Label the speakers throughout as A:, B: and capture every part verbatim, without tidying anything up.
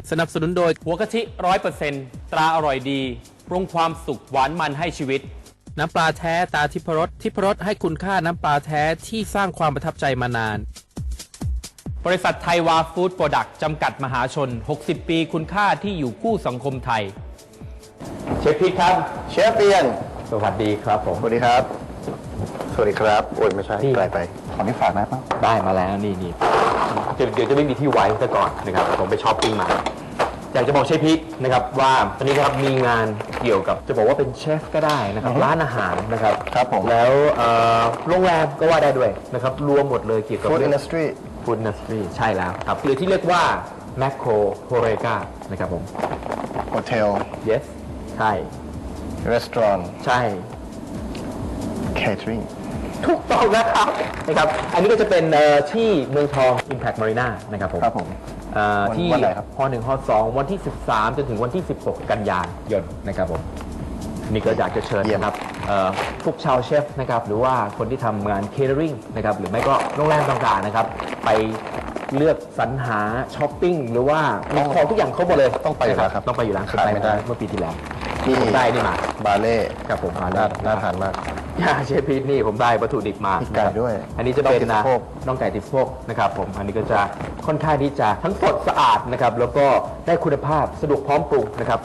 A: สนับสนุนโดยหัวกะทิร้อยเปอร์เซ็นต์ตราอร่อยดีปรุงความสุขหวานมันให้ชีวิตน้ำปลาแท้ตาทิพรสทิพรสให้คุณค่าน้ำปลาแท้ที่สร้างความประทับใจมานานบริษัทไทยวาฟู้ดโปรดักต์จำกัดมหาชนหกสิบปีคุณค่าที่อยู่คู่สังคมไทยเชฟพีทครับ
B: เชฟเปียน
A: สวัสดีครับผม
B: สวัสดีครับสวัสดีครับโอ้ยไม่ใช่ไกลไปขอนี้ฝากได้ปะ
A: ได้มาแล้วนี่นี่เดี๋ยวจะไม่มีที่ไว้ซะก่อนนะครับผมไปช้อปปิ้งมาอยากจะบอกเชฟพีทนะครับว่าตอนนี้ครับมีงานเกี่ยวกับจะบอกว่าเป็นเชฟก็ได้นะครับร้านอาหารนะครับ
B: ครับผม
A: แล้วโรงแรมก็ว่าได้ด้วยนะครับรวมหมดเลยเกี่ยวกับ
B: Food Industry
A: Food Industry ใช่แล้วครับหรือที่เรียกว่า Macro Horeca นะครับผม
B: Hotel
A: Yes ใช่
B: Restaurant
A: ใช่
B: Catering
A: ถูกต้องนะครับนะครับอันนี้ก็จะเป็นที่เมืองทอง Impact Marina นะครับผม
B: ครับผม
A: ที่ฮอหนึ่งฮอสองวันที่สิบสามจนถึงวันที่สิบหกกันยายนนะครับผมนี่ก็อยากจะเชิญนะครับพวกชาวเชฟนะครับหรือว่าคนที่ทำงานเคเทอริงนะครับหรือไม่ก็โรงแรมต่างๆนะครับไปเลือกสรรหาช้อปปิ้งหรือว่ามีของทุกอย่างครบหมดเลย
B: ต้องไปอยู่แล้วครับ
A: ต้องไปอยู่แล้ว
B: ขาดไม่ได้
A: เมื่อปีที่แล้ว
B: นี่
A: ผมได้นี่มา
B: บาเล่
A: ครับผม
B: น่าน่าทานมาก
A: เชฟพีทนี่ผมได้วัตถุดิบมา
B: ไก่ด้วย
A: อันนี้จะเป็นนะน่องไก่ติดโพกนะครับผมอันนี้ก็จะค่อนข้างที่จะทั้งสดสะอาดนะครับแล้วก็ได้คุณภาพสะดวกพร้อมปรุงนะครับ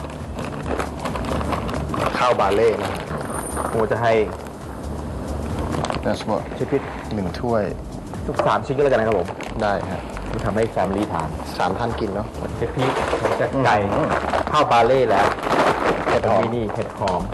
B: ข้าวบาเล่นะ
A: โอ้จะให้
B: น่าสมบูรณ์
A: เชฟพีท
B: หนึ่งถ้วย
A: ทุกสามชิ้นก็แล้วกันนะครับผม
B: ได้ฮะ
A: ที่ทำให้แฟมิลี่ทาน
B: สามท่านกินเนาะ
A: เชฟพีทจะไก่ข้าวบาเล่แล้ว
B: เห็ดหอม
A: นี่เห็ดหอม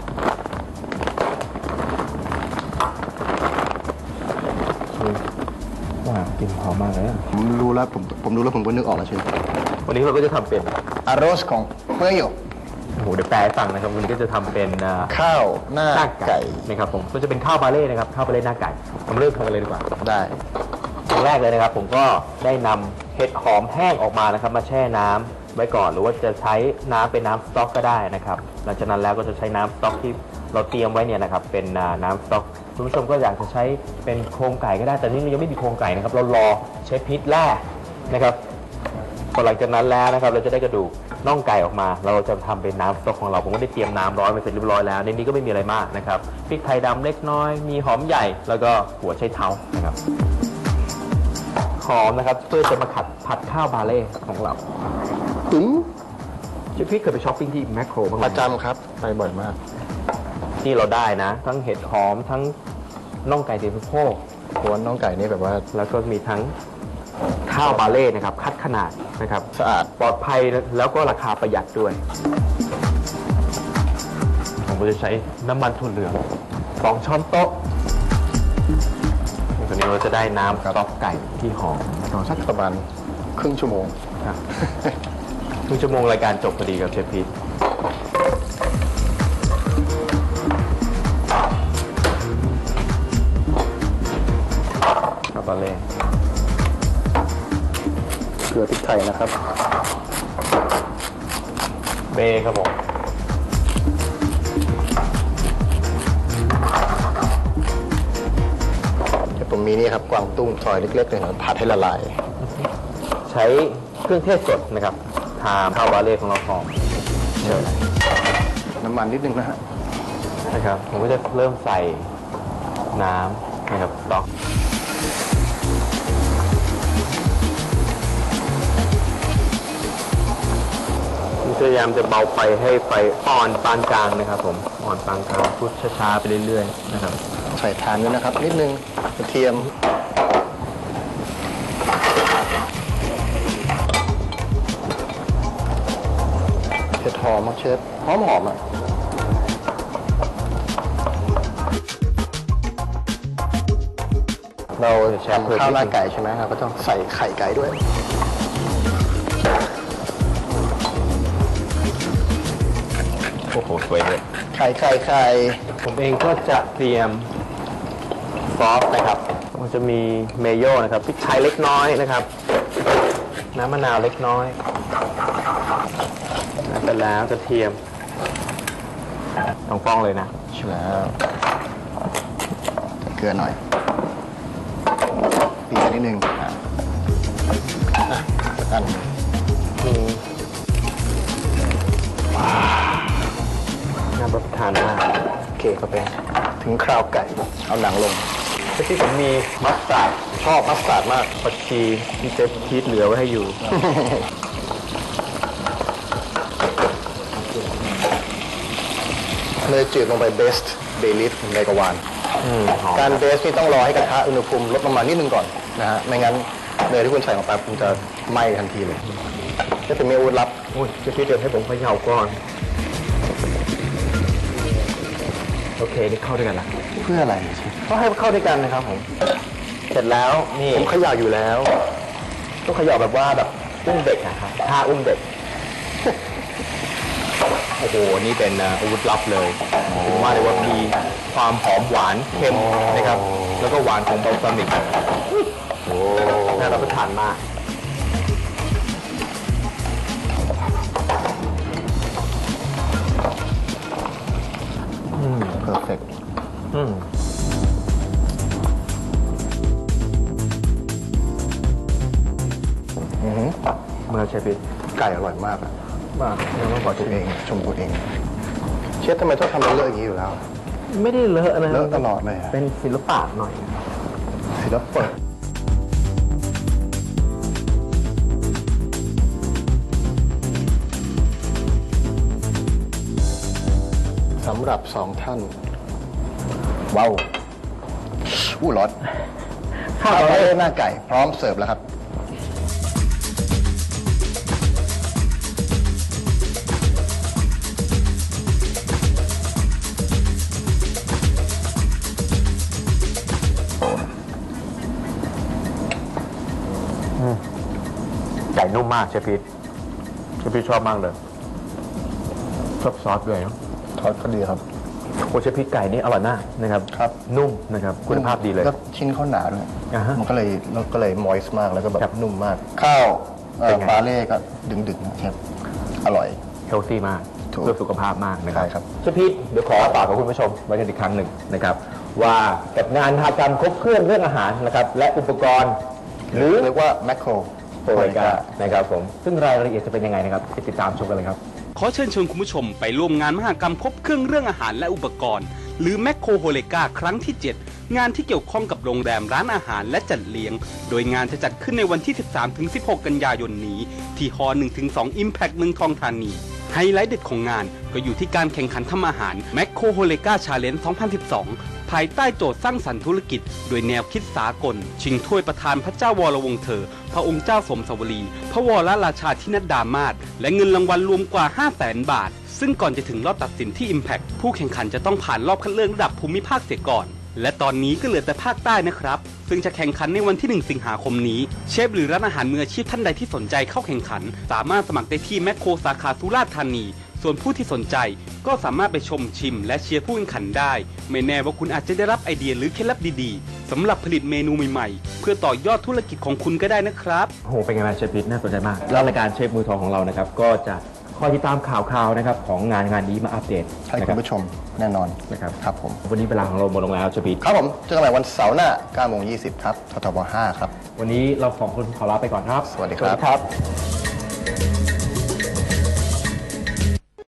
A: ว้าวกลิ่นหอมมากเลย
B: ผมรู้แล้วผมผมรู้แล้วผมก็นึกออกแล้วใช่ไหม
A: วันนี้เราก็จะทำเป็น
B: อารสของเมื่ออยู่
A: โอ้โหเดี๋ยวแปลให้ฟังนะครับวันนี้ก็จะทำเป็น
B: ข้าวหน้าไก่
A: นะครับผมก็จะเป็นข้าวบาเล่นะครับข้าวบาเล่หน้าไก่ผมเริ่มทำกันเลยดีกว่า
B: ได้
A: อย่างแรกเลยนะครับผมก็ได้นำเห็ดหอมแห้งออกมานะครับมาแช่น้ำไว้ก่อนหรือว่าจะใช้น้ำเป็นน้ำสต๊อกก็ได้นะครับหลังจากนั้นแล้วก็จะใช้น้ำสต๊อกที่เราเตรียมไว้เนี่ยนะครับเป็นน้ำสต๊อกคุณผู้ชมก็อยากจะใช้เป็นโครงไก่ก็ได้แต่นี่ยังไม่มีโครงไก่นะครับเรารอใช้พริกแร่นะครับพอหลังจากนั้นแล้วนะครับเราจะได้กระดูกน่องไก่ออกมาเราจะทำเป็นน้ำสต๊อกของเราผมก็ได้เตรียมน้ำร้อนไปเสร็จเรียบร้อยแล้วในนี้ก็ไม่มีอะไรมากนะครับพริกไทยดำเล็กน้อยมีหอมใหญ่แล้วก็หัวไชเท้านะครับหอมนะครับเพื่อจะมาขัดผัดข้าวบาเล่ของเรา
B: ถึง
A: เชฟพี่เคยไปช้อปปิ้งที่แมคโครบ้างไหม
B: ประจำครับไปบ่อยมาก
A: ที่เราได้นะทั้งเห็ดหอมทั้งน่องไก่ติดสะโพก
B: ตัวน่องไก่นี่แบบว่า
A: แล้วก็มีทั้งข้าวบาเล่นะครับคัดขนาดนะครับ
B: สะอาด
A: ปลอดภัยแล้วก็ราคาประหยัดด้วยผมก็จะใช้น้ำมันถั่วเหลืองสองช้อนโต๊ะตอนนี้เราจะได้น้ำสต๊อกไก่ที่หอม
B: สักประมาณครึ่งชั่วโมง
A: ครับครึ่งชั่วโมงรายการจบพอดีกับเชฟพีทบาเล่
B: เกลือพริกไทยนะครับ
A: เบครับผม
B: ผมมีนี่ครับกวางตุ้งซอยเล็กๆเลยนะผัดให้ละลาย
A: ใช้เครื่องเทศสดนะครับทาข้าวบาเล่ของเราหอมเชิญ
B: น้ำมันนิดนึงนะฮะ
A: นะครับผมก็จะเริ่มใส่น้ำนะครับสต๊อกพยายามจะเบาไฟให้ไฟอ่อนปานกลางนะครับผมอ่อนปานกลางพุชช้าๆไปเรื่อยๆนะครับ
B: ใส่ทานด้วยนะครับนิดนึงกระเทียมเผ็ดหอมมากเชฟหอมหอมอ่ะเราแช่ข้าวหน้าไก่ใช่ไหมครับก็ต้องใส่ไข่ไก่ด้วย
A: โอ้โหสวยเลย
B: ไข่ไข่ไข่
A: ผมเองก็จะเตรียมซอสนะครับมันจะมีเมโย่นะครับพริกไทยเล็กน้อยนะครับน้ำมะนาวเล็กน้อยไปแล้วกระเทียมต้องฟ้องเลยนะ
B: ใช่แล้วเกลือหน่อยปีนิดนึงอ่ะอัน
A: มีานมาก
B: โอเคครับเป็นถึงคราวไก่ เอาหนังลง
A: ที่ผมมีมัสตาร์ด
B: ชอบมัสตาร์ดมาก
A: ผักชีที่เชฟพีทเหลือไว้ให้อยู่
B: เนยจืดลงไปเบสต์เบลิฟในกระวาน
A: อืมหอม
B: การเบสนี่ต้องรอให้กระทะอุณหภูมิลดลงมานิดนึงก่อนนะฮะ ไม่งั้นเนยที่คุณใส่ลงไปมันจะไหม้ทันทีเลยนี่เป็นเมนูลับ
A: โอ้ยเชฟพีทเดี๋ยวให้ผมเขย่าก่อน โอเค นี่เข้าด้วยกันละ
B: เพื่ออะไร
A: ก็ให้เข้าด้วยกันนะครับผม เสร็จแล้วนี่
B: ผมเขย่าอยู่แล้ว
A: ต้องเขย่าแบบว่าแบบอุ้มเด็กนะครับท่าอุ้มเด็ก โอ้โห นี่เป็นอ่าอาวุธลับเลยถึงว่าเลยว่ามีความหอมหวานเค็มนะครับ แล้วก็หวานของบัลซามิก
B: โอ้
A: น่ารับประทานมาก
B: เพอร์เฟกต์
A: อืม
B: อือหือ
A: เมื่อเชฟพีท
B: ไก่อร่อยมากอะ
A: มากยังไม่พอ
B: ตัวเองชมตัวเอง เชฟทำไมต้องทำเรื่องอย่างนี้อยู่แล้ว
A: ไม่ได้เลอะนะ
B: เลอะตลอดเลยอะ
A: เป็นศิลปะหน่อย
B: ศิลปะสำหรับสองท่าน ว้าวอู้ร้อน
A: ข้า
B: ข้าว ว
A: เ
B: เล่หน้าไก่ พร้อมเสิร์ฟแล้วครับ
A: ไก่นุ่มมากเชฟพีทเชฟพีทชอบมากเลย ชอบซอสด้วยเนอะ
B: ทอดก็ดีครับ
A: โอเชฟพีทไก่นี่อร่อยมากนะครับ
B: ครับ
A: นุ่มนะครับ คุณภาพดีเลย
B: แล้วชิ้นเขาหนาด้วย
A: อ่าฮะ
B: มันก็เลยแล้วก็เลยมอยส์มากแล้วก็แบ
A: ครับ บ
B: นุ่มมาก ข้าวเอ่อ
A: เป็นไง
B: ปลาเล่ก็ดึงๆนะครับอร่อย
A: เฮลตี้มาก
B: ถูก
A: เพื่อสุขภาพมากนะครับ
B: ใช่ครับ
A: เชฟพีทเดี๋ยวขอฝากกับคุณผู้ชมไว้กันอีกครั้งหนึ่งนะครับ ว่ากับงานมหกรรมครบเครื่องเรื่องอาหารนะครับ และอุปกรณ์ หรือ
B: เรียกว่าแมคโคร
A: โปรไวกานะครับผมซึ่งรายละเอียดจะเป็นยังไงนะครับไปติดตามชมกันเลยครับ
C: ขอเชิญชวนคุณผู้ชมไปร่วมงานมหกรรมครบเครื่องเรื่องอาหารและอุปกรณ์ หรือแมคโครโฮเลกาครั้งที่ เจ็ด งานที่เกี่ยวข้องกับโรงแรมร้านอาหารและจัดเลี้ยง โดยงานจะจัดขึ้นในวันที่ สิบสามถึงสิบหก กันยายนนี้ ที่ฮอ หนึ่งถึงสอง Impact เมืองทองธานี ไฮไลท์เด็ดของงานก็อยู่ที่การแข่งขันทำอาหารแมคโครโฮเลกาชาเลนจ์ สองพันสิบสอง ภายใต้โจทย์สร้างสรรค์ธุรกิจ โดยแนวคิดสากล ชิงถ้วยประธานพระเจ้าวรวงศ์เธอ พระองค์เจ้าสมสวรี พระวรราชาธินัดดามาศและเงินรางวัลรวมกว่า ห้าแสน บาท ซึ่งก่อนจะถึงรอบตัดสินที่ Impact ผู้แข่งขันจะต้องผ่านรอบคัดเลือกระดับภูมิภาคเสียก่อน และตอนนี้ก็เหลือแต่ภาคใต้นะครับ ซึ่งจะแข่งขันในวันที่ หนึ่ง สิงหาคมนี้ เชฟหรือร้านอาหารมืออาชีพท่านใดที่สนใจเข้าแข่งขัน สามารถสมัครได้ที่แมคโครสาขาสุราษฎร์ธานี ส่วนผู้ที่สนใจก็สามารถไปชมชิมและเชียร์ผู้แข่งขันได้ ไม่แน่ว่าคุณอาจจะได้รับไอเดียหรือเคล็ดลับดีๆสำหรับผลิตเมนูใหม่ๆ เพื่อต่อยอดธุรกิจของคุณก็ได้นะครับ
A: โอ้โห เป็นไงบ้างเชฟพีทน่าสนใจมาก แล้วรายการเชฟมือทองของเรานะครับ ก็จะคอยติดตามข่าวๆนะครับของงานงานนี้มาอัปเดต
B: ให้
A: นะค
B: คุ
A: รั
B: ณ
A: บ
B: ผู้ชมแน่นอน
A: นะครับ
B: ครับผม
A: วันนี้เวลาของเราหมดลงแล้วเชฟพีท
B: ครับผมเจอกันใหม่วันเสาร์หน้า เก้าโมงยี่สิบ ครับททบห้าครับ
A: วันนี้เราสองคนขอลาไปก่อนครับ
B: สวัสดีครับ
A: สวัสดีครับ